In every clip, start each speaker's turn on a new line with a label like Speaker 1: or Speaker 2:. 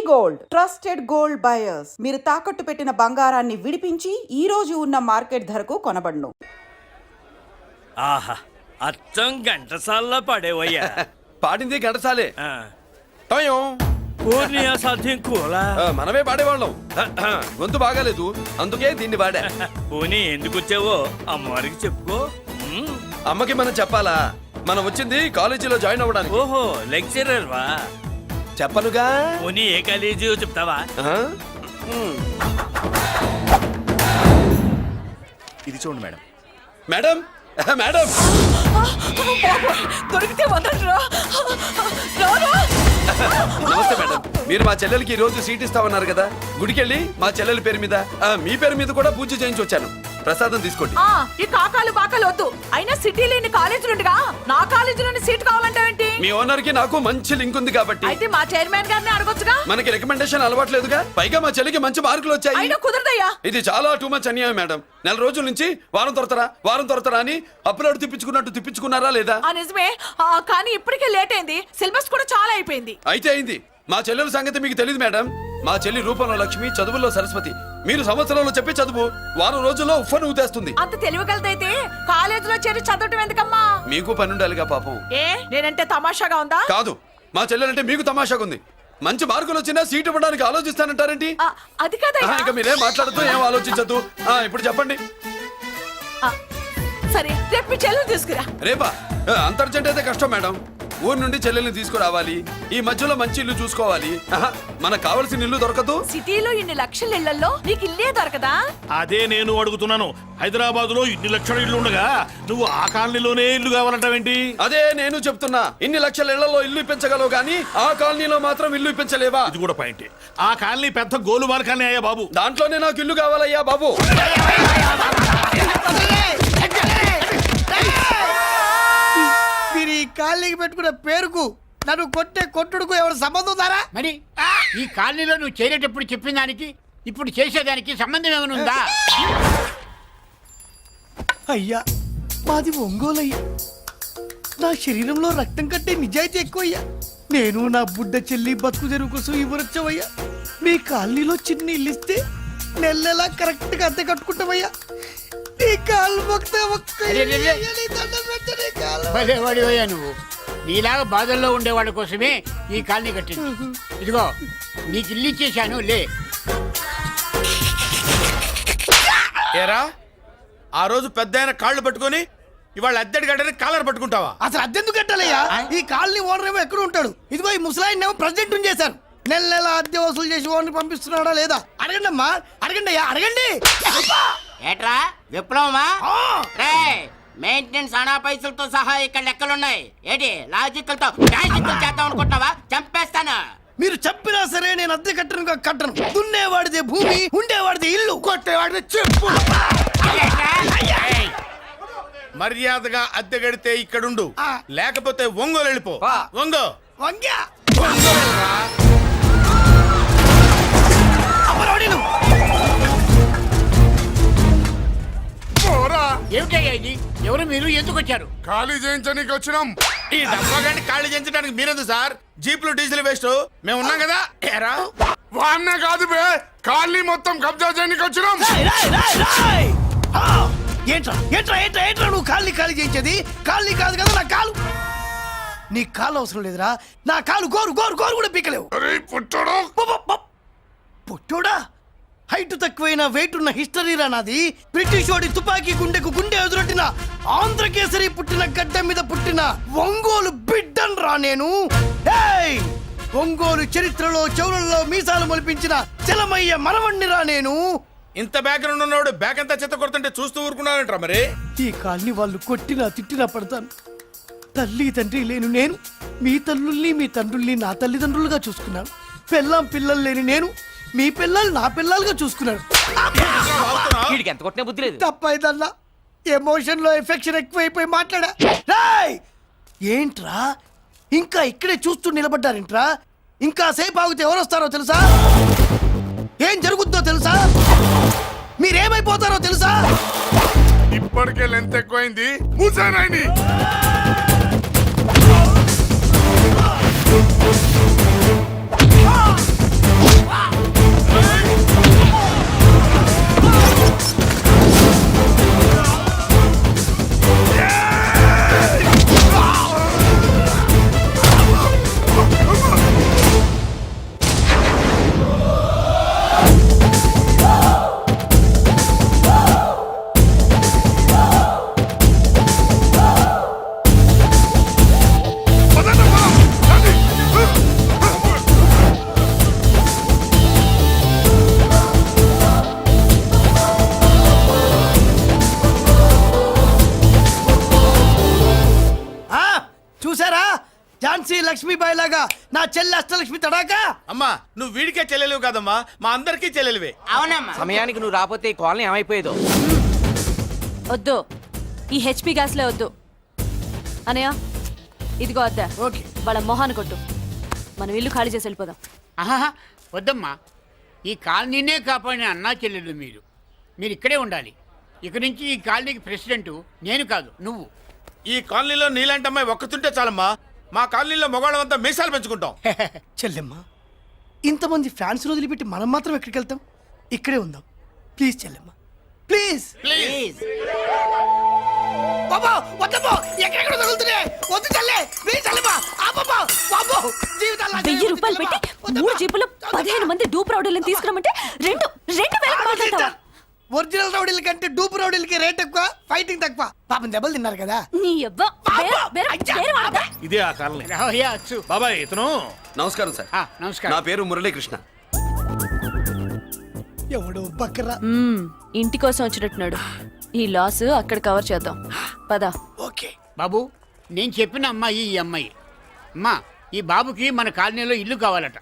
Speaker 1: Gold trusted gold buyers. మీరు తాకట్టు పెట్టిన బంగారాన్ని విడిపించి ఈ రోజు ఉన్న మార్కెట్ ధరకు కొనబడును.
Speaker 2: ఆహా, అచ్చం ఘంటసాల్లో పాడేవయ్యా.
Speaker 3: పాడింది ఘంటసాలే.
Speaker 2: పూర్ణియా సాధ్యం కూలా
Speaker 3: మనమే పాడేవాళ్ళం. గొంతు బాగాలేదు, అందుకే దీన్ని పాడా.
Speaker 2: పోనీ ఎందుకు వచ్చావో అమ్మవారికి చెప్పుకో.
Speaker 3: అమ్మకి మనం చెప్పాలా? మనం వచ్చింది కాలేజీలో జాయిన్ అవ్వడానికి.
Speaker 2: ఓహో, లెక్చరర్ వా?
Speaker 3: చెప్పనుగా.
Speaker 2: పోనీ ఏ కాలేజీ చెప్తావా?
Speaker 4: ఇది చూడండి మేడం.
Speaker 3: మేడం మేడం
Speaker 5: దొరికితే వదలరా.
Speaker 3: నమస్తే మేడం. మీరు మా చెల్లెలకి ఈ రోజు సీట్ ఇస్తామన్నారు కదా, గుడికెళ్ళి మా చెల్లెల పేరు మీద మీ పేరు మీద కూడా పూజ చేయించి వచ్చాను. ప్రసాదం తీసుకోండి.
Speaker 5: ఈ కాకాలు బాకాలు వద్దు. అయినా సిటీలో ఇన్ని కాలేజీలుండగా నా కాలేజీలోని సీట్ కావాలంటావేంటి?
Speaker 3: మీ ఓనర్ కి నాకు మంచి లింక్ ఉంది కాబట్టి.
Speaker 5: అయితే మా చైర్మన్ గారిని అడగొచ్చుగా.
Speaker 3: మనకి రికమెండేషన్ అలవాట్లేదుగా, పైగా మా చెల్లికి మంచి మార్కులు వచ్చాయి.
Speaker 5: అయినా కుదరదయ్యా.
Speaker 3: ఇది చాలా టూ మచ్ అన్యాయం మేడం. నెల రోజుల నుంచి వారం తొరతరా అని అప్లోడ్ తిప్పించుకున్నారా లేదా?
Speaker 5: నిజమే, కానీ ఇప్పటికే లేట్ అయింది. సిలబస్ కూడా చాలా అయిపోయింది.
Speaker 3: అయితే అయింది. మా చెల్లెల సంగతి మీకు తెలియదు మేడం. మా చెల్లి రూపంలో లక్ష్మి, చదువుల్లో సరస్వతి. మీరు సంవత్సరంలో చెప్పే చదువు వారం రోజుల్లో ఉఫ్ఫను ఊదేస్తుంది.
Speaker 5: అంత తెలివిగలదైతే కాలేజీలో చేరి చదవటం ఎందుకమ్మా?
Speaker 3: మీకు పని ఉండాలిగా పాపం.
Speaker 5: నేనంటే తమాషాగా ఉందా?
Speaker 3: కాదు, మా చెల్లెలంటే మీకు తమాషాగా ఉంది. మంచి మార్కులు వచ్చినా సీట్ ఇవ్వడానికి ఆలోచిస్తానంటారేంటి?
Speaker 5: అది కాదయ్యా.
Speaker 3: ఇక మీరేం మాట్లాడుతూ ఏం ఆలోచించద్దు. ఇప్పుడు చెప్పండి.
Speaker 5: సరే, రేపు మీ చెల్లెలు తీసుకురా.
Speaker 3: రేపా? అంత అర్జెంట్ అయితే కష్టం మేడం. ఊరు నుండి చెల్లెల్ని తీసుకురావాలి, ఈ మధ్యలో మంచి ఇల్లు చూసుకోవాలి. మనకు కావలసిన ఇల్లు దొరకదు.
Speaker 5: సిటీలో ఇన్ని లక్షల ఇళ్లలో నీకు ఇల్లే దొరకదా?
Speaker 4: అదే నేను అడుగుతున్నాను. హైదరాబాద్ లో ఇన్ని లక్షల ఇల్లు ఉండగా నువ్వు ఆ కాలనీలోనే ఇల్లు కావాలంటావేంటి?
Speaker 3: అదే నేను చెప్తున్నా. ఇన్ని లక్షల ఇళ్లలో ఇల్లు ఇప్పించగలవు కానీ ఆ కాలనీలో మాత్రం ఇల్లు ఇప్పించలేవా?
Speaker 4: ఇది కూడా పాయింటే. ఆ కాలనీ పెద్ద గోలుమార్ కాలనీ అయ్యా బాబు.
Speaker 3: దాంట్లోనే నాకు ఇల్లు కావాలయ్యా బాబు.
Speaker 6: మీరు ఈ కాలనీకి పెట్టుకున్న పేరుకు నన్ను కొట్టే కొట్టుడుకు ఎవరు సంబంధం ఉందారా?
Speaker 7: మరి ఈ కాలనీలో నువ్వు చేరేటప్పుడు చెప్పిన దానికి ఇప్పుడు చేసేదానికి సంబంధం ఏమైనా ఉందా?
Speaker 6: అయ్యా, మాది ఒంగోలు అయ్యా. నా శరీరంలో రక్తం కట్టే నిజాయితీ ఎక్కువ అయ్యా. నేను నా బుడ్డ చెల్లి బతుకు తెరువు కోసం ఇవ్వరొచ్చావయ్యా. మీ కాలనీలో చిన్న ఇల్లు ఇస్తే నెలలా కరెక్ట్ గా అద్దె కట్టుకుంటామయ్యా.
Speaker 7: భలేవాడివయ్యా నువ్వు. నీలాగా బాధల్లో ఉండేవాళ్ళ కోసమే ఈ కాలనీ కట్టింది. ఇదిగో నీకు ఇల్లు ఇచ్చేశాను, లే.
Speaker 8: ఏరా, ఆ రోజు పెద్ద కాళ్ళు పట్టుకొని ఇవాళ అద్దెడి గడ్డని కాలర్ పట్టుకుంటావా?
Speaker 6: అసలు అద్దెందుకు కట్టాలయ్యా? ఈ కాలనీ ఓనర్ ఏమో ఎక్కడ ఉంటాడు? ఇదిగో ఈ ముసలాయిన్ ఏమో ప్రెసిడెంట్ చేశారు. నెల అద్దె వసూలు చేసి ఓనర్ పంపిస్తున్నాడా లేదా అడగండి అమ్మా. అడగండి అయ్యా, అడగండి.
Speaker 7: ఏట్రా విప్లవమా? మెయింటెనెన్స్ అనా పైసలతో సహా ఇక్కడ లెక్కలున్నాయి. ఏంటి లాజికల్ తో చేద్దాం అనుకుంటున్నావా? చంపేస్తాను.
Speaker 6: మీరు చెప్పినా సరే నేను అద్దె కట్టను. దున్నేవాడిదే భూమి, ఉండేవాడిదే ఇల్లు, కొట్టేవాడిదే చెప్పు.
Speaker 8: మర్యాదగా అద్దె గడితే ఇక్కడుండు, లేకపోతే ఒంగోలు వెళ్ళిపో.
Speaker 6: వంగ్యా
Speaker 7: ఏమిటయ్యా ఇది? ఎవరు మీరు? ఎందుకు వచ్చారు?
Speaker 8: ఖాళీ చేయించడానికి వచ్చినాం. ఈ డబ్బా గంట ఖాళీ చేయించడానికి మీరెందు సార్? జీప్లు డీజిల్ వేస్ట్, మేము ఉన్నాం కదా. ఏరా వాన్న కాదు బే, ఖాళీ మొత్తం కబ్జా చేయడానికి వచ్చినాం.
Speaker 6: ఏంట్రా నువ్వు ఖాళీ చేయించేది? ఖాళీ కాదు కదా నా కాలు. నీ కాలు అవసరం లేదురా. నా కాలు గోరు కూడా పీకలేవు. పుట్టోడా, హైట్ తక్కువైన వెయిట్ ఉన్న హిస్టరీరా నాది. బ్రిటిష్ వాడి తుపాకీ గుండెకు గుండె ఎదురొట్టిన ఆంధ్రకేసరి పుట్టిన గడ్డ మీద పుట్టిన ఒంగోలు బిడ్డన్ రా నేను. ఒంగోలు చరిత్రలో చౌరల్లో మీసాలు మొలిపించిన చలమయ్య మనవణ్ణి రా నేను.
Speaker 8: ఇంత బ్యాక్గ్రౌండ్ ఉన్నవాడు బ్యాక్ అంతా చెత్త కొడుతుంటే చూస్తూ ఊరుకున్నాడంటారా? మరి
Speaker 6: ఈ కాల్ని వాళ్ళు కొట్టినా తిట్టినా పడతాను. తల్లి తండ్రి లేను నేను మీ తల్లుల్ని మీ తండ్రుల్ని నా తల్లిదండ్రులుగా చూసుకున్నాను. పెళ్ళాం పిల్లలు లేని నేను మీ పిల్లలు నా పిల్లలుగా చూసుకున్నాను. తప్పైదల్లా ఎమోషన్ లో ఎఫెక్షన్ ఎక్కువైపోయి మాట్లాడా. ఏంట్రా ఇంకా ఇక్కడే చూస్తూ నిలబడ్డారేంట్రా? ఇంకా సేపు ఆగితే ఎవరు వస్తారో తెలుసా? ఏం జరుగుద్దో తెలుసా? మీరేమైపోతారో తెలుసా?
Speaker 8: ఇప్పటికే లెంత్ ఎక్కువైంది. మూసానాయని
Speaker 6: చూసారా ఝాన్సీ లక్ష్మీబాయి లాగా నా చెల్లి అష్టలక్ష్మి తడాకా.
Speaker 8: అమ్మా నువ్వు వీడికే చెల్లెలివి కాదమ్మా మా అందరికీ చెల్లెలివే.
Speaker 9: సమయానికి నువ్వు రాకపోతే ఈ కాలనీ ఏమైపోయేదో.
Speaker 5: వద్దు ఈ హెచ్పి గ్యాస్లే వద్దు అనయ్య. ఇదిగో అద్దా
Speaker 6: ఓకే
Speaker 5: వాళ్ళ మొహాన్ని కొట్టు. మనం ఇల్లు ఖాళీ చేసి వెళ్ళిపోదాం.
Speaker 7: ఆహా వద్దమ్మా, ఈ కాలనీనే కాపాడిన అన్నా చెల్లెలు మీరు. మీరు ఇక్కడే ఉండాలి. ఇక నుంచి ఈ కాలనీకి ప్రెసిడెంట్ నేను కాదు, నువ్వు.
Speaker 8: ఈ కాలనీలో నీలాంటి అమ్మాయి ఒక్కతుంటే చాలమ్మా. మా కాలనీలో మగవాళ్ళంతా మీసాలు పెంచుకుంటాం.
Speaker 6: చెల్లెమ్మ, ఇంతమంది ఫ్యాన్స్ వదిలిపెట్టి మనం మాత్రం ఎక్కడికి వెళ్తాం? ఇక్కడే ఉందాం ప్లీజ్ చెల్లెమ్మ, ప్లీజ్.
Speaker 8: ప్లీజ్
Speaker 6: బాబా వద్దమ్మా, ఎక్కడెక్కడ తగులుతున్నాయి, వద్దు చెల్లె, ప్లీజ్ చెల్లెమ్మ, ఆపమ్మా, బాబో, జీవితాల్లో
Speaker 5: 1000 రూపాయలు పెట్టి 3 జీపులు 15 మంది డూప్ రౌడీలను తీసుకురమంటే 2,000 మాట్లాడతావా?
Speaker 6: ఒరిజినల్ రౌడీల కంటే డూప్ రౌడీలకి రేట్ ఎక్కువ, ఫైటింగ్ తక్కువ. పాపం దెబ్బలు తిన్నారు కదా.
Speaker 5: నీ యవ్వ వేరే వాడతా.
Speaker 4: ఇదే ఆ కాలనీ.
Speaker 7: రావయ్యా అచ్చు.
Speaker 4: బాబాయ్ ఇతను
Speaker 3: నమస్కారం సార్.
Speaker 7: నమస్కారం.
Speaker 3: నా పేరు మురళీకృష్ణ.
Speaker 6: ఎవడో బక్కరా.
Speaker 5: ఇంటి కోసం వచ్చినట్టున్నాడు. ఈ లాస్ అక్కడ కవర్ చేద్దాం పద.
Speaker 6: ఓకే
Speaker 7: బాబు, నేను చెప్పిన అమ్మాయి ఈ అమ్మాయి. అమ్మా, ఈ బాబుకి మన కాలనీలో ఇల్లు కావాలట.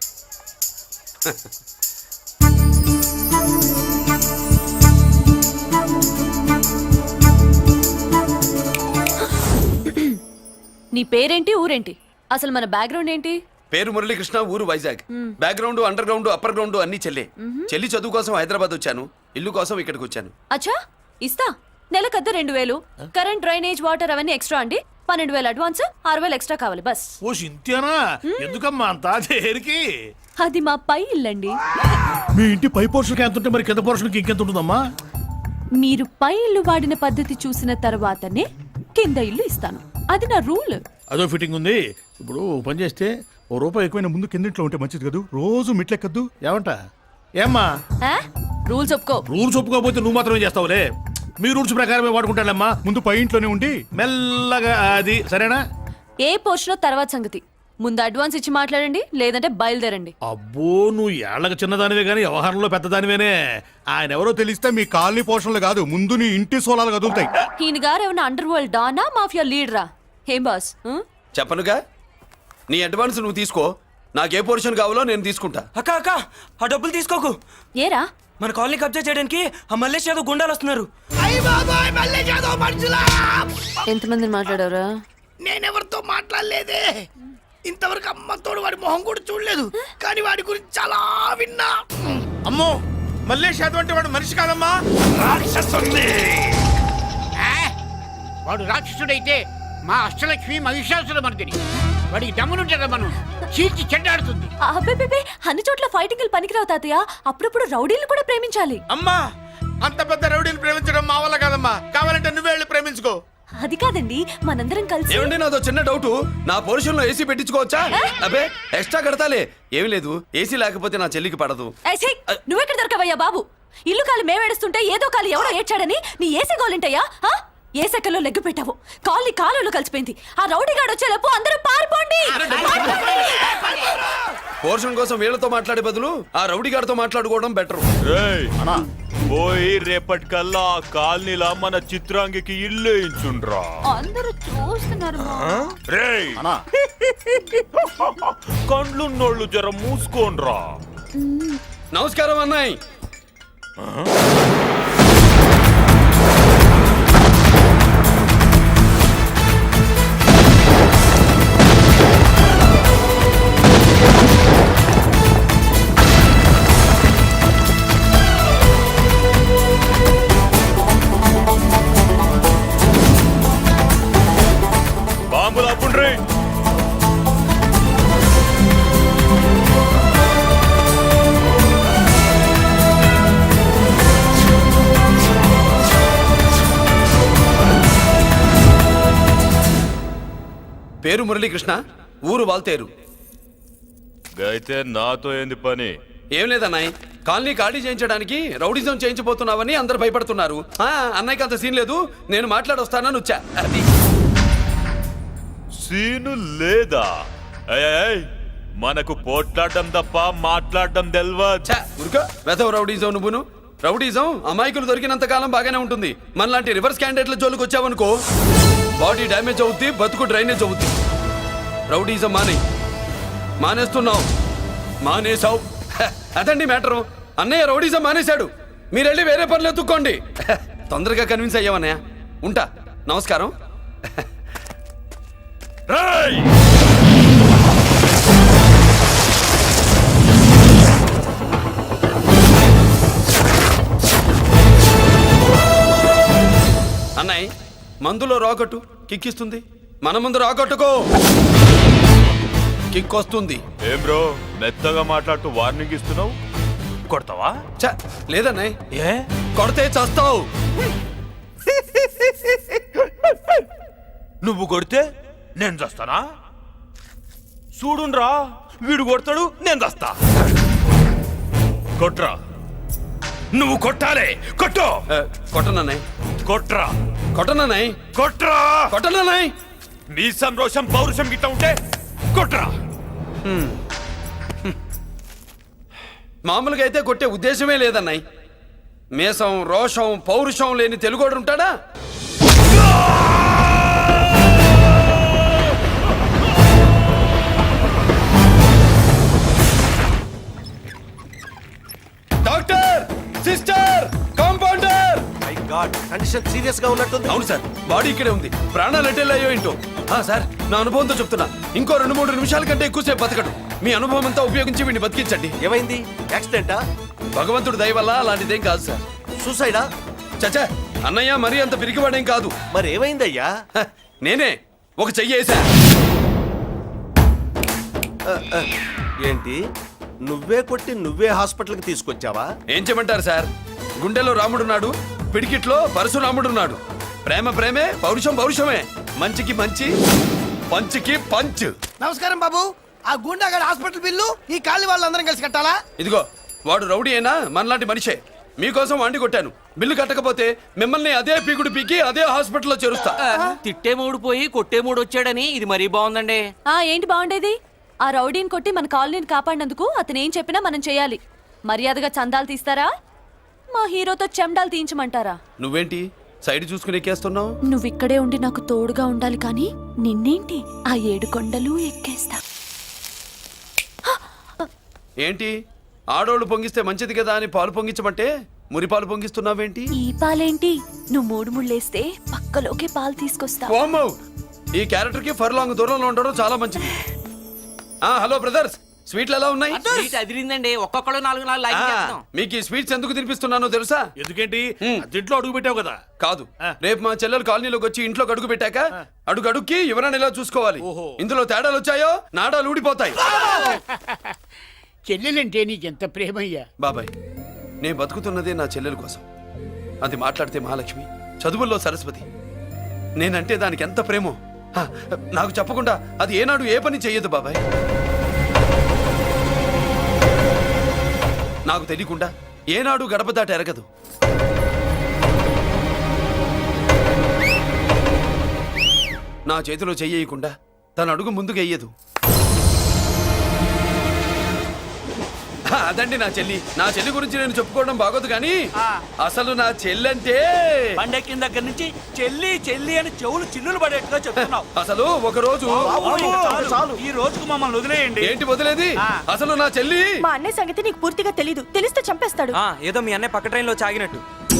Speaker 5: నీ పేరేంటి, ఊరేంటి, అసలు మన బ్యాక్గ్రౌండ్ ఏంటి?
Speaker 3: పేరు మురళీకృష్ణ, ఊరు Vizag. Background underground upper ground అన్ని చెల్లె. చెల్లి చదువు కోసం హైదరాబాద్ వచ్చాను, ఇల్లు కోసం ఇక్కడికి వచ్చాను.
Speaker 5: అచ్చా ఇస్తా. నెలకద్ద 2000, కరెంట్ డ్రైనేజ్ వాటర్ అవన్నీ ఎక్స్ట్రా అండి. 12,000 అడ్వాన్స్, 6,000 ఎక్స్ట్రా కావాలి బస్.
Speaker 4: ఓ సింత్యానా, ఎందుకమ్మా అంత చేరికి?
Speaker 5: అది మా పై ఇల్లండి.
Speaker 4: మీ ఇంటి పై పోర్షన్కి ఎంత ఉంటే మరి కింద పోర్షన్కి ఇంకెంత ఉంటుందమ్మా?
Speaker 5: మీరు పై ఇల్లు వాడిన పద్ధతి చూసిన తర్వాతనే కింద ఇల్లు ఇస్తాను. అది నా రూల్.
Speaker 4: అదో ఫిట్టింగ్ ఉంది. ఇప్పుడు ఓ పని చేస్తే ఓ రూపాయి ఎక్కువైనా ముందు కిందింట్లో ఉంటే మంచిది కదూ, రోజు మిట్లెక్కద్దు. ఏమంట? ఏమ్మా
Speaker 5: రూల్స్ ఒప్పుకో.
Speaker 4: రూల్స్ ఒప్పుకోకపోతే నువ్వు మాత్రమే చేస్తావులే. మీ రూల్స్ ప్రకారమే వాడుకుంటానమ్మా. ముందు పై ఇంట్లోనే ఉండి మెల్లగా అది, సరేనా?
Speaker 5: ఏ పోర్షన్ తర్వాత సంగతి. ముందు అడ్వాన్స్ ఇచ్చి మాట్లాడండి, లేదంటే బయలుదేరండి.
Speaker 4: అబ్బో, నువ్వు ఏళ్ళకి చిన్నదానివే కానీ వ్యవహారంలో పెద్దదానివేనే. ఆయన ఎవరో తెలిస్తే మీ కాలనీ పోషణలు కాదు, ముందు నీ ఇంటి సోలాలు కదులుతాయి.
Speaker 5: ఈయన గారు ఏమన్నా అండర్ వరల్డ్ డానా, మాఫియా లీడరా? ఏం బాస్?
Speaker 3: చెప్పనుగా, నీ అడ్వాన్స్ నువ్వు తీసుకో, నాకు ఏ పోర్షన్ కావాలో నేను తీసుకుంటా.
Speaker 9: అక్క అక్క, ఆ డబ్బులు తీసుకోకు.
Speaker 5: ఏరా?
Speaker 9: మన కాలనీ కబ్జా చేయడానికి ఆ మల్లేష్ యాదవ్ గుండాలు వస్తున్నారు.
Speaker 6: అయ్య బాబాయ్, మళ్ళీ చదువు మనుషులా.
Speaker 5: ఎంతమందిని మాట్లాడారా?
Speaker 6: నేనెవరితో మాట్లాడలేదే. ఇంతవరకు అమ్మతోడు వాడి మొహం కూడా చూడలేదు, కానీ వాడి గురించి చాలా విన్నా.
Speaker 8: అమ్మో, మల్లేష్ యాదవ్ అంటే వాడు మనిషి కాదమ్మా, రాక్షసుని.
Speaker 7: వాడు రాక్షసుడైతే మా అష్టలక్ష్మి మహిషాసుల మర్దిని. వాడికి దమ్మునుంటారా మనం చీల్చి చెడ్డాడుతుంది.
Speaker 5: అబ్బే, అన్ని చోట్ల ఫైటింగ్ పనికిరావు తాతయ్య. అప్పుడప్పుడు రౌడీలు కూడా ప్రేమించాలి.
Speaker 8: అమ్మా, అంత పెద్ద రౌడీని ప్రేమించడం మా వల్ల కాదమ్మా. కావాలంటే నువ్వే వెళ్ళి ప్రేమించుకో.
Speaker 5: అది కాదండి, మనందరం కలిసి.
Speaker 3: ఏమండి, నాదో చిన్న డౌట్. నా పోర్షన్ లో ఏసీ పెట్టించుకోవచ్చా? అబ్బే, ఎక్స్ట్రా కడతాలే. ఏమి లేదు, ఏసీ లేకపోతే నా చెల్లికి పడదు.
Speaker 5: నువ్వెక్కడ దొరకవయ్యా బాబు? ఇల్లు కాలు మేమేడుస్తుంటే ఏదో కాలు ఎవడో ఏడ్చాడని నీ ఏసీ గోలింటయ్యా? ఏ సెకల్లో లెగ్గు పెట్టావు, కాలి కాలులో కలిసిపోయింది. ఆ రౌడీగాడు వచ్చేలోపు అందరూ పారిపోండి.
Speaker 3: పోర్షన్ కోసం వీళ్ళతో మాట్లాడే బదులు ఆ రౌడీ గారితో మాట్లాడుకోవడం బెటర్.
Speaker 10: పోయి రేపటికల్లా ఆ కాలనీలా మన చిత్రాంగికి ఇల్లు వేయించుండ్రా.
Speaker 5: అందరూ చూస్తున్నారు.
Speaker 10: రేయ్, కండ్లున్నోళ్ళు జర మూసుకోండ్రా.
Speaker 3: నమస్కారం అన్నాయ్.
Speaker 10: బాంబులు అప్పుండ్రీ.
Speaker 3: పేరు మురళీకృష్ణ, ఊరు వాల్తేరు.
Speaker 10: అయితే నాతో ఏంది పని?
Speaker 3: ఏం లేదన్నాయ్, కాలనీ ఖాళీ చేయించడానికి రౌడిజం చేయించబోతున్నావని అందరు భయపడుతున్నారు. అన్నయ్యకి అంత సీన్ లేదు, నేను మాట్లాడొస్తానని వచ్చా. అది
Speaker 10: సీను లేదా? మనకు పోట్లాడడం తప్ప మాట్లాడడం తెల్వా.
Speaker 3: వెధవ రౌడీజం నువ్వును. రౌడీజం అమాయకులు దొరికినంత కాలం బాగానే ఉంటుంది. మనలాంటి రివర్స్ క్యాండిడేట్ల జోలికి వచ్చావనుకో, బాడీ డ్యామేజ్ అవుద్ది, బతుకు డ్రైనేజ్ అవుద్ది. రౌడీజం మానేస్తున్నావు. మానేసావు. అదండి మ్యాటరు. అన్నయ్య రౌడీజం మానేశాడు. మీరెళ్ళి వేరే పనులు ఎత్తుక్కోండి. తొందరగా కన్విన్స్ అయ్యావన్నయ్య. ఉంటా. నమస్కారం.
Speaker 10: రేయ్!
Speaker 3: అన్నయ్య మందులో రాకట్టు కిక్కిస్తుంది. మన ముందు రాకట్టుకో కిక్ వస్తుంది.
Speaker 10: ఏం బ్రో మెత్తగా మాట్లాడుతూ వార్నింగ్ ఇస్తున్నావు? కొడతావా?
Speaker 3: చ లేదన్నయ్య,
Speaker 10: ఏ
Speaker 3: కొడితే చస్తావు.
Speaker 10: నువ్వు కొడితే నేను చస్తానా? చూడుండ్రా, వీడు కొడతాడు, నేను చస్తా. కొట్రా, నువ్వు కొట్టాలి. కొట్టు.
Speaker 3: కొట్టనన్నయ్య.
Speaker 10: కొట్రా,
Speaker 3: కొట్టనన్నయ్య.
Speaker 10: కొట్రా.
Speaker 3: కొట్టనన్నయ్య.
Speaker 10: నీ సంరోషం పౌరుషం గిట్ట ఉంటే కొట్రా.
Speaker 3: మామూలుగా అయితే కొట్టే ఉద్దేశమే లేదన్నయ్య. మేషం రోషం పౌరుషం లేని తెలుగోడు ఉంటాడా? Doctor, sister, compounder.
Speaker 8: Condition serious గా ఉన్నట్టుంది.
Speaker 3: అవును సార్, బాడీ ఇక్కడే ఉంది. ప్రాణాలు ఎట్టెళ్ళాయో ఏంటో. సార్, నా అనుభవంతో చెప్తున్నా, ఇంకో 2-3 నిమిషాల కంటే ఎక్కువసేపు బతకడు. మీ అనుభవం అంతా ఉపయోగించి వీడిని బతికించండి.
Speaker 8: ఏమైంది? యాక్సిడెంటా?
Speaker 3: భగవంతుడు దయ వల్ల అలాంటిదేం కాదు సార్.
Speaker 8: సూసైడా?
Speaker 3: చచ్చా, అన్నయ్య మరీ అంత పిరికివాడేం కాదు.
Speaker 8: మరి ఏమైందయ్యా?
Speaker 3: నేనే ఒక చెయ్యి వేసా.
Speaker 8: ఏంటి, నువ్వే కొట్టి నువ్వే హాస్పిటల్కి తీసుకొచ్చావా?
Speaker 3: ఏం చేయమంటారు సార్, గుండెలో రాముడున్నాడు, పిడికిట్లో పరశురాముడున్నాడు. ప్రేమ ప్రేమే, పౌరుషం పౌరుషమే. మంచికి మంచి, పంచికి పంచ్.
Speaker 6: నమస్కారం బాబు. ఆ గుండాగడ్ హాస్పిటల్ బిల్లు ఈ కాలి వాళ్ళందరం కలిసి కట్టాలా?
Speaker 3: ఇదిగో, వాడు రౌడీ అయినా మనలాంటి మనిషే. మీకోసం వండి కొట్టాను. బిల్లు కట్టకపోతే మిమ్మల్ని అదే పీకుడు పీకి అదే హాస్పిటల్లో చేరుస్తా.
Speaker 9: తిట్టే మూడు పోయి కొట్టే మూడు వచ్చాడని ఇది మరీ బాగుందండి.
Speaker 5: ఏంటి బాగుండేది? ఆ రౌడీని కొట్టి మన కాలనీని కాపాడినందుకు అతను ఏం చెప్పినా మనం చేయాలి. మర్యాదగా చందాలు తీస్తారా, మా హీరోతో చెండాలు తీయించమంటారా?
Speaker 3: నువ్వేంటి సైడ్ చూసుకుని ఎక్కేస్తున్నావు?
Speaker 5: నువ్విక్కడే ఉండి నాకు తోడుగా ఉండాలి, కానీ నిన్నేంటి ఆ 7 కొండలు ఎక్కేస్తా.
Speaker 3: ఏంటి, ఆడోళ్ళు పొంగిస్తే మంచిది కదా అని పాలు పొంగించమంటే మురిపాలు పొంగిస్తున్నావేంటి?
Speaker 5: ఈ పాలేంటి, నువ్వు 3 ముళ్ళేస్తే పక్కలోకే పాలు తీసుకొస్తా.
Speaker 3: వామ్మో, ఈ క్యారెక్టర్ కి ఫర్ లాంగ్ దూరంలో ఉండడం చాలా మంచిది. హలో బ్రదర్స్, స్వీట్లు ఎలా ఉన్నాయి?
Speaker 9: సీట్ అదిరిందండి, ఒక్కొక్కడు 4 లైక్ చేస్తాం.
Speaker 3: మీకు ఈ స్వీట్స్ ఎందుకు తినిపిస్తున్నానో తెలుసా?
Speaker 4: ఎందుకేంటి దీంట్లో అడుగు పెట్టావు కదా.
Speaker 3: కాదు, రేపు మా చెల్లెలు కాలనీలోకి వచ్చి ఇంట్లో అడుగు పెట్టాక అడుగు అడుక్కి ఎవరైనా ఇలా చూసుకోవాలి. ఇందులో తేడాలు వచ్చాయో నాడాలు ఊడిపోతాయి.
Speaker 7: చెల్లెలంటే నీకెంత ప్రేమయ్యా.
Speaker 3: బాబాయ్, నేను బతుకుతున్నదే నా చెల్లెల కోసం. అది మాట్లాడితే మహాలక్ష్మి, చదువుల్లో సరస్వతి. నేనంటే దానికి ఎంత ప్రేమో నాకు చెప్పకుండా అది ఏనాడు ఏ పని చెయ్యదు బాబాయ్. నాకు తెలియకుండా ఏనాడు గడప దాట ఎరగదు. నా చేతిలో చెయ్యకుండా తన అడుగు ముందుకు వెయ్యదు. అదండి నా చెల్లి. నా చెల్లి గురించి నేను చెప్పుకోవడం బాగోదు, కానీ అసలు నా చెల్లంటే
Speaker 9: పండెక్కిన దగ్గర నుంచి చెల్లి చెల్లి అని చెవులు చిల్లులు పడేట్టుగా చెప్తున్నావు.
Speaker 3: అసలు ఒక రోజు
Speaker 9: ఈ రోజుకు మమ్మల్ని వదిలేయండి.
Speaker 3: ఏంటి వదిలేది? అసలు నా చెల్లి.
Speaker 5: మా అన్నయ్య సంగతి నీకు పూర్తిగా తెలీదు. తెలిస్తే చంపేస్తాడు.
Speaker 9: ఏదో మీ అన్నయ్య పక్క ట్రైన్ లో చాగినట్టు.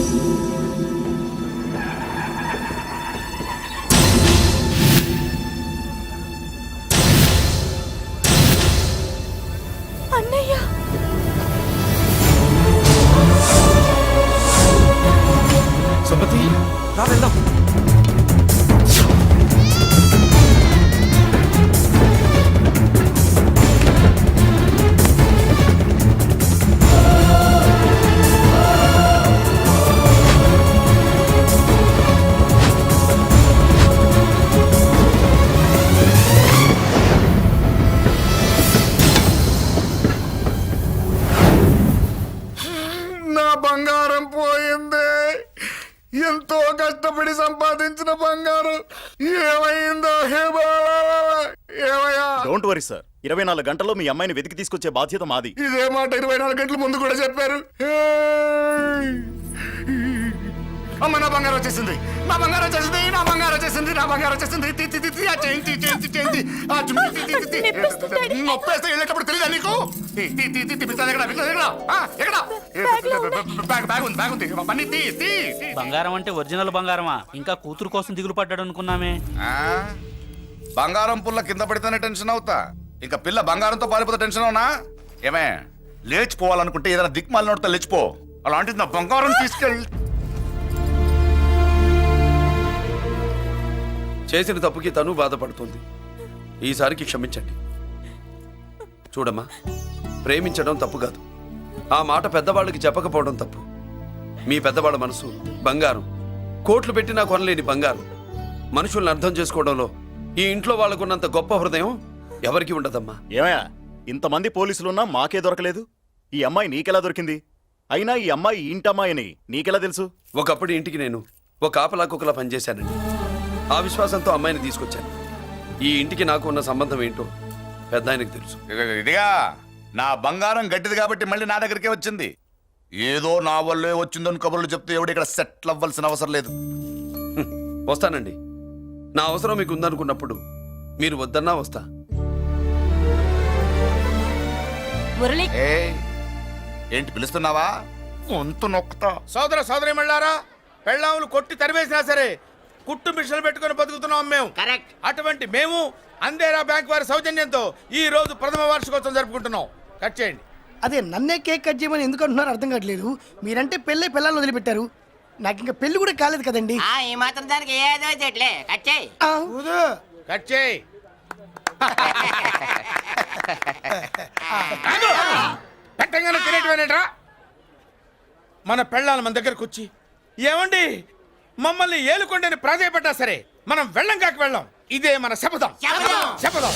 Speaker 5: అన్నయ్య,
Speaker 3: సుమతి,
Speaker 9: రా వెళ్దాం.
Speaker 8: నా బంగారం పోయింది. ఎంతో కష్టపడి సంపాదించిన బంగారం ఏమైందో? ఏమయ్యా?
Speaker 11: డోంట్ వరీ సార్, 24 గంటల్లో మీ అమ్మాయిని వెతికి తీసుకొచ్చే బాధ్యత మాది.
Speaker 8: ఇదే మాట 24 గంటల ముందు కూడా చెప్పారు. అమ్మ నా బంగారం వచ్చేసింది, నా బంగారం వచ్చేసింది, నా బంగారం వచ్చేసింది, నా బంగారం వచ్చేసింది. తి, తి, తి, తి, ఆ చేయింది, చేయింది, చేయింది. ఆ చుమ్మి, తి, తి, తి, తి. నొప్పేస్తే వెళ్ళేటప్పుడు తెలియదా నీకు? తి, తి, తి, తి, తి, పిస్తాది ఎక్కడ? పిస్తాది ఎక్కడ? ఆ, ఎక్కడ? బ్యాగ్ ఉంది, బ్యాగ్ ఉంది. పని తీ, తీ, తీ.
Speaker 9: బంగారం అంటే ఒరిజినల్ బంగారమా? ఇంకా కూతురు కోసం దిగులు పడ్డాడు అనుకున్నామే.
Speaker 8: ఆ? బంగారం పుల్ల కింద పడితేనే టెన్షన్ అవుతా, ఇంకా పిల్ల బంగారంతో పారిపోతే టెన్షన్ అవునా? ఏమే, లేచిపోవాలనుకుంటే ఏదైనా దిక్మాల నోడితే లేచిపో. అలాంటిది నా బంగారం తీసుకెళ్ళి.
Speaker 3: చేసిన తప్పుకి తను బాధపడుతుంది. ఈసారికి క్షమించండి. చూడమ్మా, ప్రేమించడం తప్పు కాదు, ఆ మాట పెద్దవాళ్ళకి చెప్పకపోవడం తప్పు. మీ పెద్దవాళ్ళ మనసు బంగారం, కోట్లు పెట్టినా కొనలేని బంగారం. మనుషుల్ని అర్థం చేసుకోవడంలో ఈ ఇంట్లో వాళ్ళకున్నంత గొప్ప హృదయం ఎవరికి ఉండదమ్మా.
Speaker 11: ఏమయ్యా, ఇంతమంది పోలీసులున్నా మాకే దొరకలేదు. ఈ అమ్మాయి నీకెలా దొరికింది? అయినా ఈ అమ్మాయి ఇంటమ్మాయి అని నీకెలా తెలుసు?
Speaker 3: ఒకప్పుడు ఇంటికి నేను ఒక ఆపలా కుక్కలా పనిచేశానండి. ఆ విశ్వాసంతో అమ్మాయిని తీసుకొచ్చాను. ఈ ఇంటికి నాకు ఉన్న సంబంధం ఏంటో పెద్ద ఆయనకు తెలుసు.
Speaker 8: ఇదిగా నా బంగారం గట్టిది కాబట్టి మళ్ళీ నా దగ్గరికే వచ్చింది. ఏదో నా వల్లే వచ్చిందని కబుర్లు చెప్తే ఎవడు ఇక్కడ సెటిల్ అవ్వాల్సిన అవసరం లేదు.
Speaker 3: వస్తానండి. నా అవసరం మీకు ఉందనుకున్నప్పుడు మీరు వద్దన్నా వస్తా.
Speaker 5: మురళి
Speaker 8: ఏంటి పిలుస్తున్నావా? వంతు నొక్కుతా.
Speaker 6: సోదర సోదరి మళ్ళారా, పెళ్ళాములు కొట్టి తరివేసినా సరే కుట్టు మిషన్లు పెట్టుకుని బతుకుతున్నాం మేము.
Speaker 7: కరెక్ట్.
Speaker 6: అటువంటి మేము అందేరా బ్యాంక్ వారి సౌజన్యంతో ఈ రోజు ప్రథమ వార్షికోత్సవం జరుపుకుంటున్నాం. కట్ చేయండి.
Speaker 12: అదే నన్నే కేక్ కట్ చేయమని ఎందుకు అంటున్నారో అర్థం కావట్లేదు. మీరంటే పెళ్ళై పిల్లల్ని వదిలిపెట్టారు, నాకు ఇంకా పెళ్లి కూడా కాలేదు కదండి.
Speaker 7: ఈ మాత్రం దానికి ఏదో చెట్లే కట్ చేయి.
Speaker 12: ఆ,
Speaker 6: కట్ చేయి. పెట్టంగానే తినేటివేనేట్రా? మన పెళ్ళాలు మన దగ్గరకు వచ్చి ఏమండి మమ్మల్ని ఏలుకొండని ప్రాధాయపడ్డా సరే మనం వెళ్ళం కాక వెళ్ళం. ఇదే మన శపథం. శపథం.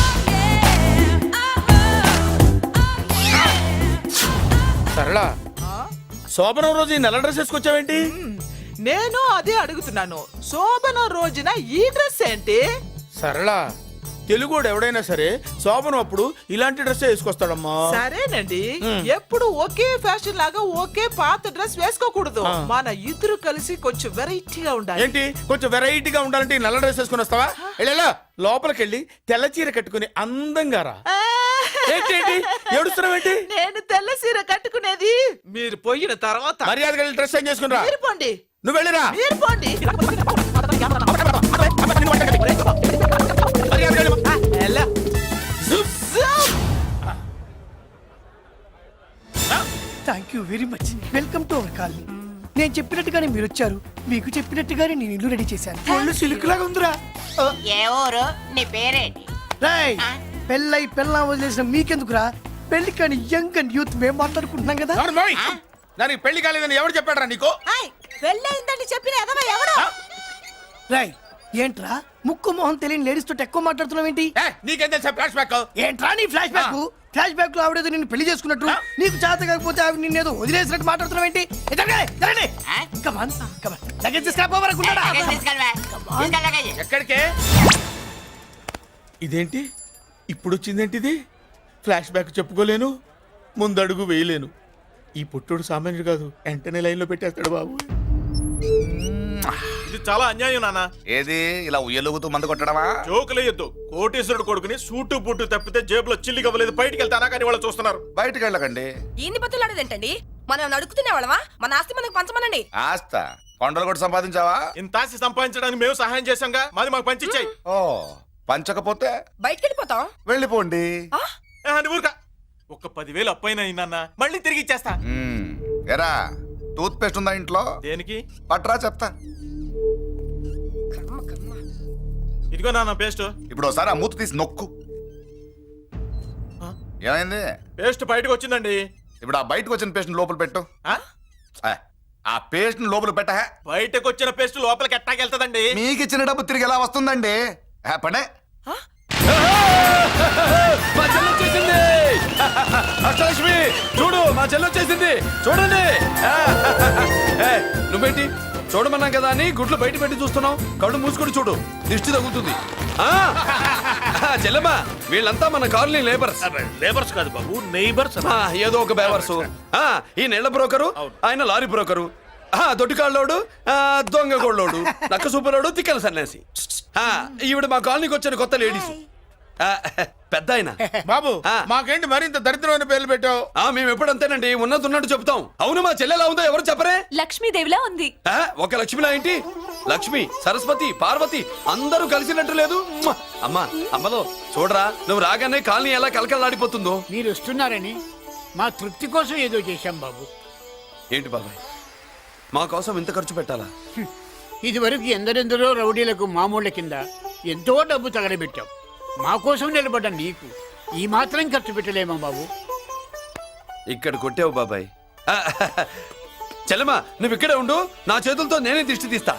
Speaker 6: సరళ, శోభనం రోజు ఈ నల్ల డ్రెస్ వేసుకొచ్చావేంటి?
Speaker 13: నేను అదే అడుగుతున్నాను. శోభన రోజున ఈ డ్రెస్ ఏంటి?
Speaker 6: సరళ, తెలుగుడు ఎవడైనా సరే శోభనం అప్పుడు ఇలాంటి డ్రెస్ వేసుకొస్తాడమ్మా.
Speaker 13: సరేనండి, ఎప్పుడు ఒకే ఫ్యాషన్ లాగా ఒకే పాత డ్రెస్ వేసుకోకూడదు. మన ఇద్దరు కలిసి కొంచెం వెరైటీగా ఉండాలి.
Speaker 6: ఏంటి కొంచెం వెరైటీగా ఉండాలంటే ఈ నల్ల డ్రెస్ వేసుకుని వస్తావా? వెళ్ళా లోపలికి వెళ్ళి తెల్ల చీర కట్టుకుని అందంగా రా. ఏంటి ఏడుస్తున్నావేంటి?
Speaker 13: నేను తెల్ల సీర కట్టుకునేది మీరు పోయిన తర్వాత.
Speaker 6: మర్యాదగా వెళ్ళి డ్రెస్ చేంజ్ చేసుకుని రా.
Speaker 13: మీరు పోండి.
Speaker 6: నువ్వు వెళ్ళిరా.
Speaker 13: మీరు పోండి. ఎలా?
Speaker 12: Thank you very much. Welcome to our colony. నేను చెప్పినట్టుగానే మీరు వచ్చారు, మీకు చెప్పినట్టుగానే నేను ఇల్లు రెడీ చేశాను. ఒళ్ళు సిల్క్ లాగా ఉందిరా.
Speaker 7: ఏ ఊరు? నీ పేరేంటి?
Speaker 12: రాయ్, పెళ్ళై పెళ్ళా వదిలేసిన మీకెందుకురా? పెళ్లి కాని యంగ్ అండ్ యూత్ మేము మాట్లాడుకుంటున్నాం కదా.
Speaker 6: నోర్మోయ్! దానికి పెళ్లి కాలేదని ఎవరు చెప్పాడరా నీకు?
Speaker 5: పెళ్ళయిందని చెప్పిన ఎదవ ఎవడు?
Speaker 12: రాయ్, ఏంట్రా ముక్కు మొహం తెలియని లేడీస్ తోటి ఎక్కువ మాట్లాడుతున్నావు ఏంటి?
Speaker 6: నీకేం తెలుసా ఫ్లాష్ బ్యాక్?
Speaker 12: ఏంట్రా నీ ఫ్లాష్ బ్యాక్? ఫ్లాష్ బ్యాక్ లో ఆవిడేదో నిన్ను పెళ్లి చేసుకున్నట్టు, నీకు చేత కాకపోతే ఆవిడ నిన్నేదో వదిలేసినట్టు మాట్లాడుతున్నావు ఏంటి?
Speaker 6: ఎక్కడికే? ఇదేంటి ఇప్పుడు వచ్చిందేంటి? ఇది ఫ్లాష్ బ్యాక్ చెప్పుకోలేను, ముందడుగు వేయలేను. ఈ పుట్టుడు సామాన్యుడు కాదు, వెంటనే లైన్ లో పెట్టేస్తాడు బాబు.
Speaker 4: ఇది చాలా అన్యాయం నాన్న.
Speaker 8: ఏది ఇలా ఉయ్యలుగుతూ మందు కొట్టడమా?
Speaker 4: జోకులేయొద్దు. కోటేశ్వరుడు కొడుకుని సూటు బుట్టు తప్పితే జేబులో చిల్లి కవ్వలేదు, బయటికి వెళ్తానా కానీ వాళ్ళు చూస్తున్నారు.
Speaker 8: బయటకు వెళ్ళకండి.
Speaker 5: ఈయన్ని బతులాడేదేంటండి? మనం నడుకుతునే వాళ్ళమా? మన ఆస్తి మనకు పంచమనండి.
Speaker 8: ఆస్త కొండలు కూడా సంపాదించావా?
Speaker 4: ఇంత ఆస్తి సంపాదించడానికి మేము సహాయం చేశాంగా, మాది మాకు పంచిచ్చాయి.
Speaker 8: ఓ, పంచకపోతే
Speaker 5: బయటికి వెళ్ళిపోతాం.
Speaker 8: వెళ్ళిపోండి.
Speaker 4: ఊరుకా. ఒక 10,000 అప్పైనా నాన్న, మళ్ళీ తిరిగి ఇచ్చేస్తా.
Speaker 8: ఎరా, టూత్ పేస్ట్ ఉందా ఇంట్లో?
Speaker 4: దేనికి?
Speaker 8: పట్రా చెప్తా.
Speaker 4: ఇదిగో నాన్న పేస్ట్.
Speaker 8: ఇప్పుడు ఒకసారి ఆ మూత తీసి నొక్కు. ఏమైంది?
Speaker 4: పేస్ట్ బయటకు వచ్చిందండి.
Speaker 8: ఇప్పుడు ఆ బయటకు వచ్చిన పేస్ట్ లోపల పెట్టు. ఆ పేస్ట్ లోపల పెట్ట.
Speaker 4: బయటకు వచ్చిన పేస్ట్ లోపలికి ఎట్టాకెళ్తదండి?
Speaker 8: మీకు ఇచ్చిన డబ్బు తిరిగి ఎలా వస్తుందండి? పడే.
Speaker 3: మా చెల్లొచ్చేసింది. అష్టలక్ష్మి చూడు, మా చెల్లొచ్చేసింది చూడండి. నువ్వేంటి చూడమన్నాం కదా అని గుడ్లు బయట పెట్టి చూస్తున్నావు? కళ్ళు మూసుకొని చూడు, దిష్టి తగ్గుతుంది. చెల్లెమ్మా, వీళ్ళంతా మన కాలనీ లేబర్స్.
Speaker 2: లేబర్స్ కాదు బాబు, నైబర్స్.
Speaker 3: ఏదో ఒక బేవర్సు. ఈ నెల బ్రోకరు, ఆయన లారీ బ్రోకరు. దొడ్డికాళ్ళోడు దొంగ గోళ్ళోడు నక్క సూపరోడు తిక్కల సన్యాసి ఈవిడ మా కాలనీకి వచ్చిన కొత్త లేడీస్ పెద్ద ఆయన
Speaker 4: బాబు
Speaker 3: ఆ.
Speaker 4: మాకేంటి మరింత దరిద్రమైన పేర్లు పెట్టావు
Speaker 3: మేము ఎప్పుడంతేనండి ఉన్నట్టు చెప్తాం. అవును మా చెల్లెలా ఉందో ఎవరు చెప్పరే?
Speaker 5: లక్ష్మీదేవిలా ఉంది.
Speaker 3: ఒక లక్ష్మిలా ఏంటి? లక్ష్మి, సరస్వతి, పార్వతి అందరూ కలిసినట్టు లేదు. అమ్మా అమ్మలో చూడరా, నువ్వు రాగానే కాలనీ ఎలా కలకలాడిపోతుందో.
Speaker 7: మీరు వస్తున్నారని మా తృప్తి కోసం ఏదో చేశాం బాబు.
Speaker 3: ఏంటి బాబాయ్, మా కోసం ఇంత ఖర్చు పెట్టాలా?
Speaker 7: ఇదివరకు ఎందరెందరో రౌడీలకు మామూళ్ళ కింద ఎంతో డబ్బు తగలబెట్టాం. మా కోసం నిలబడ్డ నీకు ఈ మాత్రం ఖర్చు పెట్టలేమా బాబు?
Speaker 3: ఇక్కడ కొట్టావు బాబాయ్. చెల్లెమ్మా నువ్వు ఇక్కడే ఉండు, నా చేతులతో నేనే దిష్టి తీస్తా.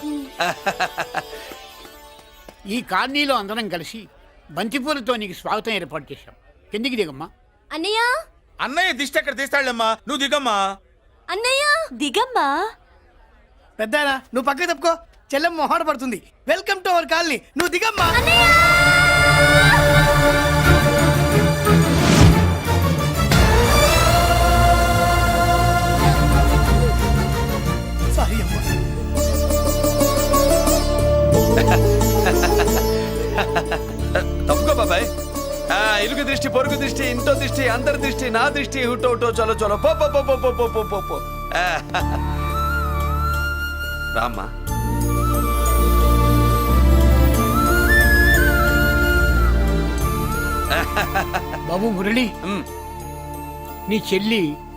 Speaker 7: ఈ కాలనీలో అందరం కలిసి బంతిపూలతో నీకు స్వాగతం ఏర్పాటు చేశాం. కిందికి దిగమ్మా.
Speaker 5: అన్నయ్య
Speaker 4: అన్నయ్య దిష్టి ఎక్కడ తీస్తాడమ్మా, నువ్వు దిగమ్మా.
Speaker 5: అన్నయ్య దిగమ్మా.
Speaker 12: పెద్దాయనా నువ్వు పక్కకి తప్పుకో, చెల్లెమ్మ మొహాట పడుతుంది. వెల్కమ్ టు అవర్ కాలనీ, నువ్వు దిగమ్మా. సారీ అమ్మా.
Speaker 3: తప్పుకో బాబాయ్. ఇరుగు దృష్టి, పొరుగు దృష్టి, ఇంటో దృష్టి, అందరి దృష్టి, నా దృష్టి, హుటో చలో చలో పో పో పో పో పో పో పో పో. రామ్మా.
Speaker 7: బాబు మురళి, నీ చెల్లి